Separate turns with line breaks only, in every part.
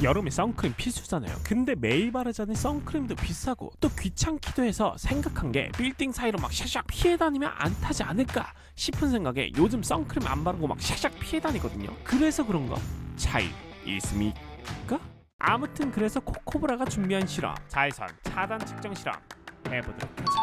여름에 선크림 필수잖아요. 근데 매일 바르자니 선크림도 비싸고 또 귀찮기도 해서 생각한 게 빌딩 사이로 막 샥샥 피해 다니면 안 타지 않을까 싶은 생각에 요즘 선크림 안 바르고 막 샥샥 피해 다니거든요. 그래서 그런가? 차이 있습니까? 아무튼 그래서 코코브라가 준비한 실험, 자외선 차단 측정 실험 해보도록 하자.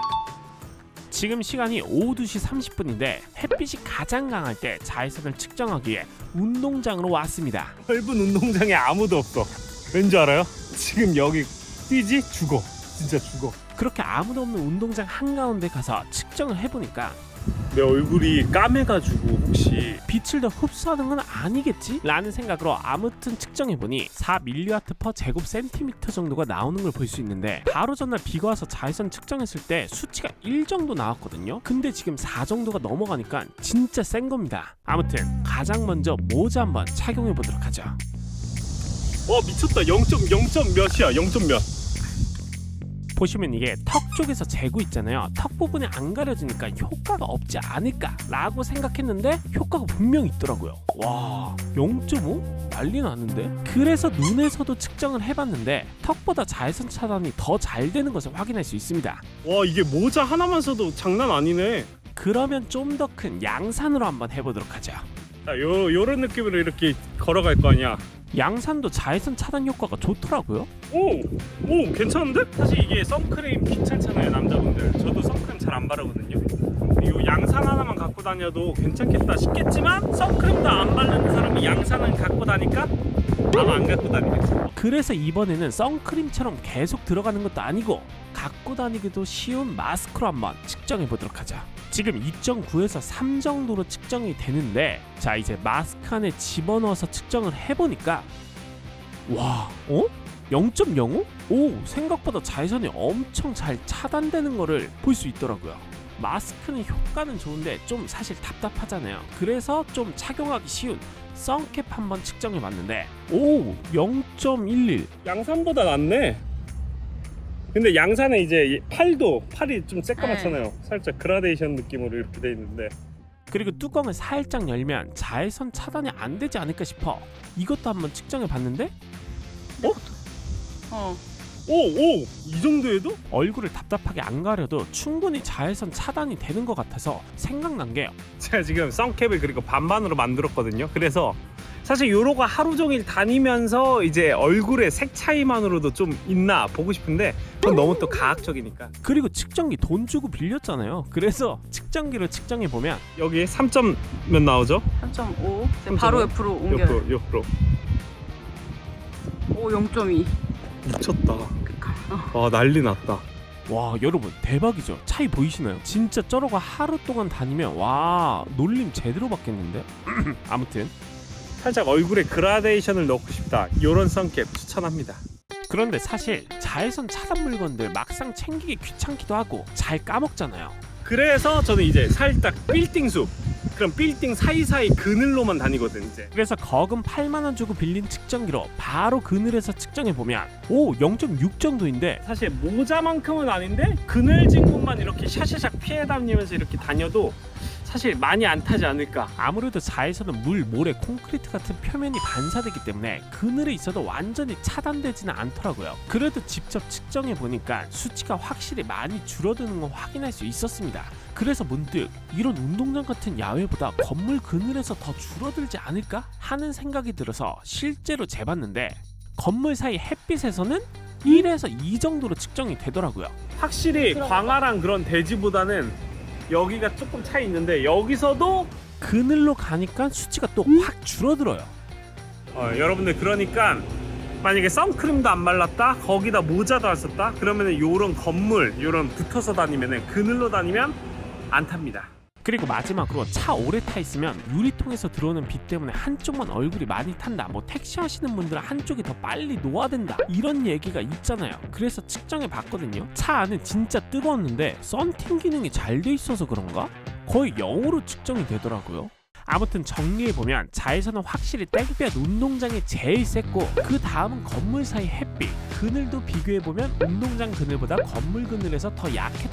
지금 시간이 오후 2시 30분인데 햇빛이 가장 강할 때 자외선을 측정하기 위해 운동장으로 왔습니다.
넓은 운동장에 아무도 없어. 왠지 알아요? 지금 여기 뛰지? 죽어. 진짜 죽어.
그렇게 아무도 없는 운동장 한가운데 가서 측정을 해보니까
내 얼굴이 까매가지고 혹시
빛을 더 흡수하는 건 아니겠지? 라는 생각으로 아무튼 측정해보니 4mW/제곱 센티미터 정도가 나오는 걸 볼 수 있는데 바로 전날 비가 와서 자외선 측정했을 때 수치가 1 정도 나왔거든요. 근데 지금 4 정도가 넘어가니까 진짜 센 겁니다. 아무튼 가장 먼저 모자 한번 착용해보도록 하죠.
미쳤다. 0.0. 몇이야? 0. 몇.
보시면 이게 턱 쪽에서 재고 있잖아요. 턱 부분이 안 가려지니까 효과가 없지 않을까 라고 생각했는데 효과가 분명히 있더라고요. 와, 0.5? 난리 나는데? 그래서 눈에서도 측정을 해봤는데 턱보다 자외선 차단이 더 잘 되는 것을 확인할 수 있습니다.
와, 이게 모자 하나만 써도 장난 아니네.
그러면 좀 더 큰 양산으로 한번 해보도록 하죠.
자, 요런 느낌으로 이렇게 걸어갈 거 아니야.
양산도 자외선 차단 효과가 좋더라고요.
오, 괜찮은데? 사실 이게 선크림 귀찮잖아요, 남자분들. 저도 선크림 잘 안 바르거든요. 이 양산 하나만 갖고 다녀도 괜찮겠다 싶겠지만 선크림도 안 바르는 사람이 양산을 갖고 다니까 아마 안 갖고 다니겠지.
그래서 이번에는 선크림처럼 계속 들어가는 것도 아니고 갖고 다니기도 쉬운 마스크로 한번 측정해 보도록 하죠. 지금 2.9에서 3 정도로 측정이 되는데 자, 이제 마스크 안에 집어넣어서 측정을 해보니까 와, 0.05? 오, 생각보다 자외선이 엄청 잘 차단되는 거를 볼 수 있더라고요. 마스크는 효과는 좋은데 좀 사실 답답하잖아요. 그래서 좀 착용하기 쉬운 선캡 한번 측정해 봤는데 오, 0.11.
양산보다 낫네. 근데 양산은 이제 팔이 좀 새까맣잖아요. 살짝 그라데이션 느낌으로 이렇게 돼 있는데
그리고 뚜껑을 살짝 열면 자외선 차단이 안 되지 않을까 싶어 이것도 한번 측정해 봤는데
이 정도에도?
얼굴을 답답하게 안 가려도 충분히 자외선 차단이 되는 것 같아서 생각난 게
제가 지금 선캡을 그리고 반반으로 만들었거든요. 그래서 사실 요로가 하루 종일 다니면서 이제 얼굴의 색 차이만으로도 좀 있나 보고 싶은데 그건 너무 또 가학적이니까.
그리고 측정기 돈 주고 빌렸잖아요. 그래서 측정기로 측정해 보면
여기 3점 몇 나오죠?
3.5. 바로 옆으로 옮겨요.
옆으로.
오, 0.2.
미쳤다. 와, 난리 났다.
와, 여러분 대박이죠? 차이 보이시나요? 진짜 저러고 하루 동안 다니면 와, 놀림 제대로 받겠는데? 아무튼
살짝 얼굴에 그라데이션을 넣고 싶다. 요런 선캡 추천합니다.
그런데 사실 자외선 차단 물건들 막상 챙기기 귀찮기도 하고 잘 까먹잖아요.
그래서 저는 이제 살짝 빌딩 숲, 그럼 빌딩 사이사이 그늘로만 다니거든 이제.
그래서 거금 8만 원 주고 빌린 측정기로 바로 그늘에서 측정해 보면 오, 0.6 정도인데
사실 모자만큼은 아닌데 그늘진 곳만 이렇게 샤샤샥 피해 다니면서 이렇게 다녀도 사실 많이 안 타지 않을까.
아무래도 자외선은 물, 모래, 콘크리트 같은 표면이 반사되기 때문에 그늘에 있어도 완전히 차단되지는 않더라고요. 그래도 직접 측정해 보니까 수치가 확실히 많이 줄어드는 걸 확인할 수 있었습니다. 그래서 문득 이런 운동장 같은 야외보다 건물 그늘에서 더 줄어들지 않을까 하는 생각이 들어서 실제로 재봤는데 건물 사이 햇빛에서는 1에서 2 정도로 측정이 되더라고요.
확실히 광활한 그런 대지보다는 여기가 조금 차이 있는데 여기서도
그늘로 가니까 수치가 또 확 줄어들어요.
여러분들 그러니까 만약에 선크림도 안 발랐다, 거기다 모자도 안 썼다, 그러면은 요런 건물, 요런 붙어서 다니면은 그늘로 다니면 안 탑니다.
그리고 마지막으로 차 오래 타 있으면 유리통에서 들어오는 빛 때문에 한쪽만 얼굴이 많이 탄다, 뭐 택시 하시는 분들은 한쪽이 더 빨리 노화된다 이런 얘기가 있잖아요. 그래서 측정해 봤거든요. 차 안은 진짜 뜨거웠는데 썬팅 기능이 잘 돼 있어서 그런가? 거의 0으로 측정이 되더라고요. 아무튼 정리해보면 자외선은 확실히 땡볕 운동장이 제일 셌고 그 다음은 건물 사이 햇빛, 그늘도 비교해보면 운동장 그늘보다 건물 그늘에서 더 약했다.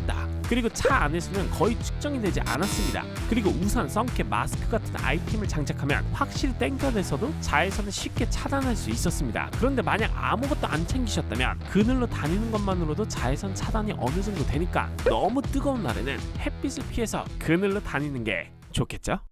그리고 차 안에서는 거의 측정이 되지 않았습니다. 그리고 우산, 선캡, 마스크 같은 아이템을 장착하면 확실히 땡볕에서도 자외선을 쉽게 차단할 수 있었습니다. 그런데 만약 아무것도 안 챙기셨다면 그늘로 다니는 것만으로도 자외선 차단이 어느 정도 되니까 너무 뜨거운 날에는 햇빛을 피해서 그늘로 다니는 게 좋겠죠?